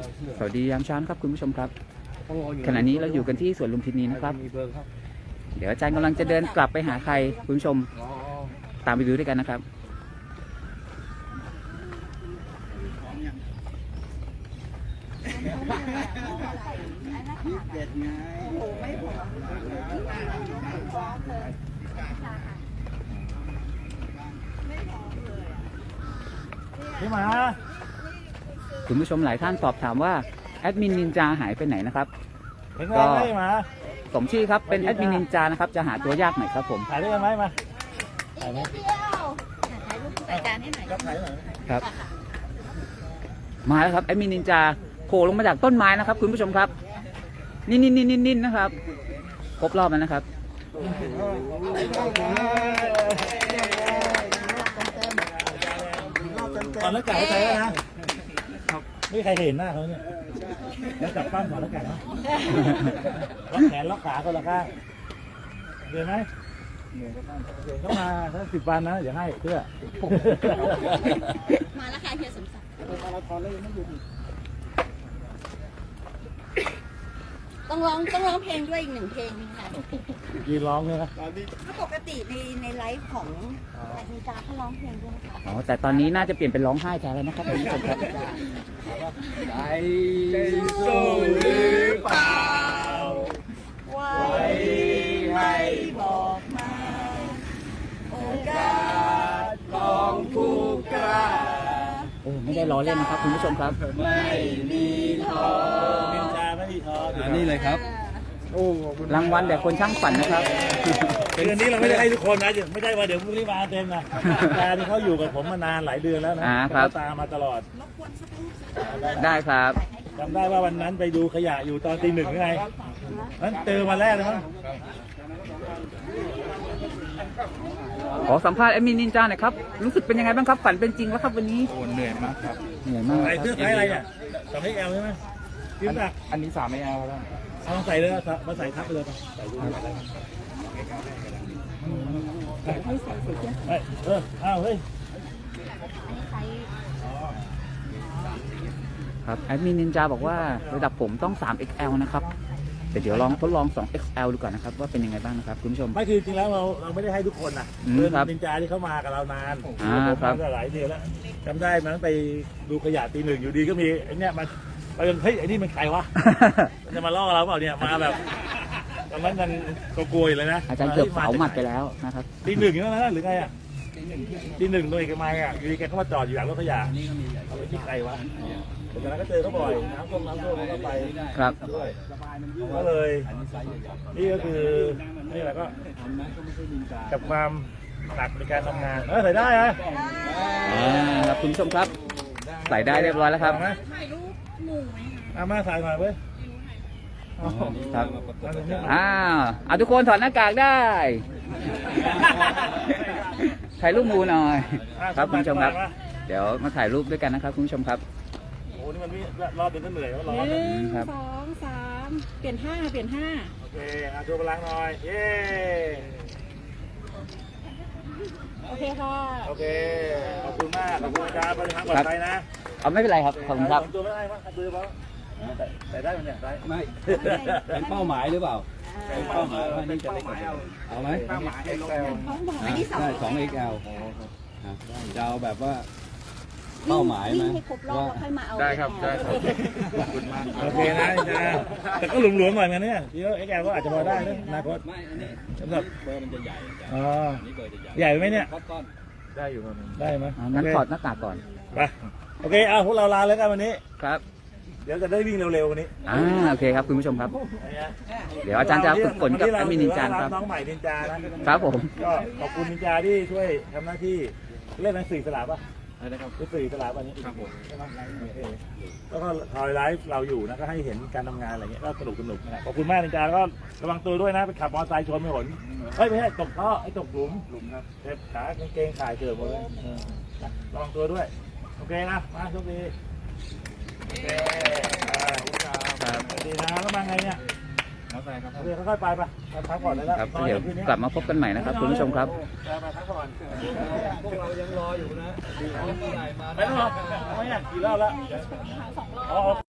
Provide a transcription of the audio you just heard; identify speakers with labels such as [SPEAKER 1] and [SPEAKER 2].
[SPEAKER 1] สวัสดียามเช้าครับคุณผู้ชมครับขณะนี้เราอยู่กันที่สวนลุมพินีนะครับเดี๋ยวอาจารย์กำลังจะเดินกลับไปหาใครคุณผู้ชมตามไปดูด้วยกันนะครับ
[SPEAKER 2] พี่หมา
[SPEAKER 1] คุณผู้ชมหลายท่านสอบถามว่าแอดมินนินจาหายไปไหนนะครับ
[SPEAKER 2] ก็
[SPEAKER 1] สมชื่อครับเป็นแอดมินนินจานะครับจะหาตัวยากหน่อยครับผม
[SPEAKER 2] ถ่ายด้วยกันไหมมาถ่ายไหม
[SPEAKER 3] ถ่ายรูปอาจารย์ให้หน่อย
[SPEAKER 1] ครับมาแล้วครับแอดมินนินจาโผล่ลงมาจากต้นไม้นะครับคุณผู้ชมครับนิ่นนะครับครบรอบแล้วนะครับ
[SPEAKER 2] ถอดหน้ากากใส่แล้วนะไม่มีใครเห็นหน้าเขาเนี่ยแล้วจับปั้มถอดหน้ากากเนาะล็อกแขนล็อกขาคนละข้างเห็นไหมเข้ามาถ้า10 วันนะเดี๋ยวให้เพื่อ
[SPEAKER 3] มาแล้วค่ะเฮียสมศักดิ์ต้องร้องเพลงด้วยอีก1 เพลงค่ะ
[SPEAKER 2] ยืนร้องเนี่ยนะ
[SPEAKER 3] ถ้าปกติในไลฟ์ของอาจารย์เขาร้องเพลงด้วยค่ะ
[SPEAKER 1] อ๋อแต่ตอนนี้น่าจะเปลี่ยนเป็นร้องไห้แทนแล้วนะครับคุณผู้ชมครับ
[SPEAKER 2] ใจสู้หรือเปล่า
[SPEAKER 3] ไว้ให้บอกมาโอกาสของผู้กล้า
[SPEAKER 1] ไม่ได้ล้อเล่นนะครับคุณผู้ชมครับ
[SPEAKER 3] ไม่มีท้อ
[SPEAKER 2] นินจาไม่มีท้อ
[SPEAKER 1] นี่เลยครับรางวัลแต่คนช่างฝันนะครับ
[SPEAKER 2] คืนนี้เราไม่ได้ให้ทุกคนนะไม่ได้ว่าเดี๋ยวพรุ่งนี้มาเต็มนะการที่เขาอยู่กับผมมานานหลายเดือนแล้วนะเขาตามมาตลอด
[SPEAKER 1] ได้ครับ
[SPEAKER 2] จำได้ว่าวันนั้นไปดูขยะอยู่ตอนตี 1ไงนั้นเจอวันแรกเลยมั้ง
[SPEAKER 1] ขอสัมภาษณ์แอดมินนินจาหน่อยครับรู้สึกเป็นยังไงบ้างครับฝันเป็นจริงแล้วครับวันนี้
[SPEAKER 4] เหนื่อยมากครับ
[SPEAKER 1] เหนื่อยมาก
[SPEAKER 2] ใส่เสื้อไซส์อะไรเนี่ย2XLใช่ไหม
[SPEAKER 4] อันนี้3XLแล้ว
[SPEAKER 2] เอาใส่เลยมาใส่ทับไปเลยใส่ดูอ้าวเฮ้ย
[SPEAKER 1] ครับแอดมินนินจาบอกว่าระดับผมต้อง 3XL นะครับแต่เดี๋ยวลองทดลอง 2XL ดูก่อนนะครับว่าเป็นยังไงบ้างนะครับคุณผู้ชม
[SPEAKER 2] ไม่คือจริงแล้วเราไม่ได้ให้ทุกคนนะนินจาที่เขามากับเรานาน
[SPEAKER 1] ครับ
[SPEAKER 2] หลายเดือนแล้วจำได้มันไปดูขยะตี 1อยู่ดีก็มีไอ้เนี่ยมันเฮ้ยไอ้นี่มันใครวะมันจะมาล่อเราเปล่าเนี่ยมาแบบตอนนั้นยังกลัวเลยนะ
[SPEAKER 1] อาจารย์เกือบเผาหมัดไปแล้วนะครับ
[SPEAKER 2] ตี 1อย่างนั้นหรือไงอ่ะตี 1โดยแกมาอ่ะอยู่ดีแกเข้ามาจอดอยู่หลังรถขยะเอาไปที่ใครวะแต่นั้นก็เจอเขาบ่อยน้ำท่วมก็ไป
[SPEAKER 1] ครับ
[SPEAKER 2] ก็เลยนี่ก็คือนี่แหละก็กับความหนักในการทำงานใส่ได้ฮะ
[SPEAKER 1] ครับคุณผู้ชมครับใส่ได้เรียบร้อยแล้วครับ
[SPEAKER 3] ถ่ายรูปหมู่ไหม
[SPEAKER 2] มาใส่หน่อยเว้ย
[SPEAKER 1] ครับทุกคนถอดหน้ากากได้ถ่ายรูปหมู่หน่อยครับคุณผู้ชมครับเดี๋ยวมาถ่ายรูปด้วยกันนะครับคุณผู้ชมครับ
[SPEAKER 2] โอ้นี่มันรอบเป็นเหนื่อยแล้วร้อน
[SPEAKER 3] 1 2 3เปลี่ยน5
[SPEAKER 2] โอเคโชว์พลังหน่อยเย้
[SPEAKER 3] โอเคค่ะ
[SPEAKER 2] โอเคขอบคุณมากขอบคุณอาจารย์ปฏิภาณปลอดภัยนะ
[SPEAKER 1] เอาไม่เป็นไรครับขอบคุณครับ
[SPEAKER 2] ตัวไม่ได้มั้งตัวบ้างแต่ได้มันเนี่ยได้
[SPEAKER 4] ไม่เป็นเป้าหมายหรือเปล่าเป็นเป้าหมายว่านี่จะได้กว่าเอาไหม
[SPEAKER 3] เป้าหมายที่
[SPEAKER 4] 2XL จะเอาแบบว่าเป้าหมายไหม
[SPEAKER 3] ได้ครับ
[SPEAKER 4] ขอบคุณมาก
[SPEAKER 2] โอเคนะจ๊ะแต่ก็หลวมๆหน่อยกันเนี่ยเดี๋ยวXLก็อาจจะพอได้นะนาคต
[SPEAKER 4] ไม่อันนี้สำหรับเบอร์มันจะใหญ่
[SPEAKER 2] อ๋อใหญ่ไหมเนี่ย
[SPEAKER 4] ได้อยู่
[SPEAKER 2] ได้ไหม
[SPEAKER 1] งั้นถอดหน้ากากก่อน
[SPEAKER 2] ไปโอเคเอาพวกเราลาแล้วกันวันนี้
[SPEAKER 1] ครับ
[SPEAKER 2] เดี๋ยวจะได้วิ่งเร็วๆวันนี้
[SPEAKER 1] โอเคครับคุณผู้ชมครับเดี๋ยวอาจารย์จะฝึกฝนกับแอดมินนินจาครับ
[SPEAKER 2] น้องใหม่นินจา
[SPEAKER 1] ครับผม
[SPEAKER 2] ก็ขอบคุณนินจาที่ช่วยทำหน้าที่เล่นหนังสือสลับป่ะ
[SPEAKER 4] นะครับ
[SPEAKER 2] สื่อสลับวันนี้
[SPEAKER 4] ครับผม
[SPEAKER 2] แล้วก็ทอยไลฟ์เราอยู่นะก็ให้เห็นการทำงานอะไรเงี้ยก็สนุกนะขอบคุณมากนินจาก็ระวังตัวด้วยนะไปขับมอเตอร์ไซค์ชนไม่หนไม่ใช่ตกท่อตกหลุมครับเจ็บขากางเกงขาดเกิดหมดเลยระวังตัวด้วยโอเคนะมาโชคดีโอเคดีนะแล้วมาไงเนี่ยเดี๋ยวค่อยๆไปพักผ่อนเลยแล้ว
[SPEAKER 1] เดี๋ยวกลับมาพบกันใหม่นะครับคุณผู้ชมครับ
[SPEAKER 2] พักผ่อนพวกเรายังรออยู่นะไม่รอไม่อยากกี่รอบแล้ว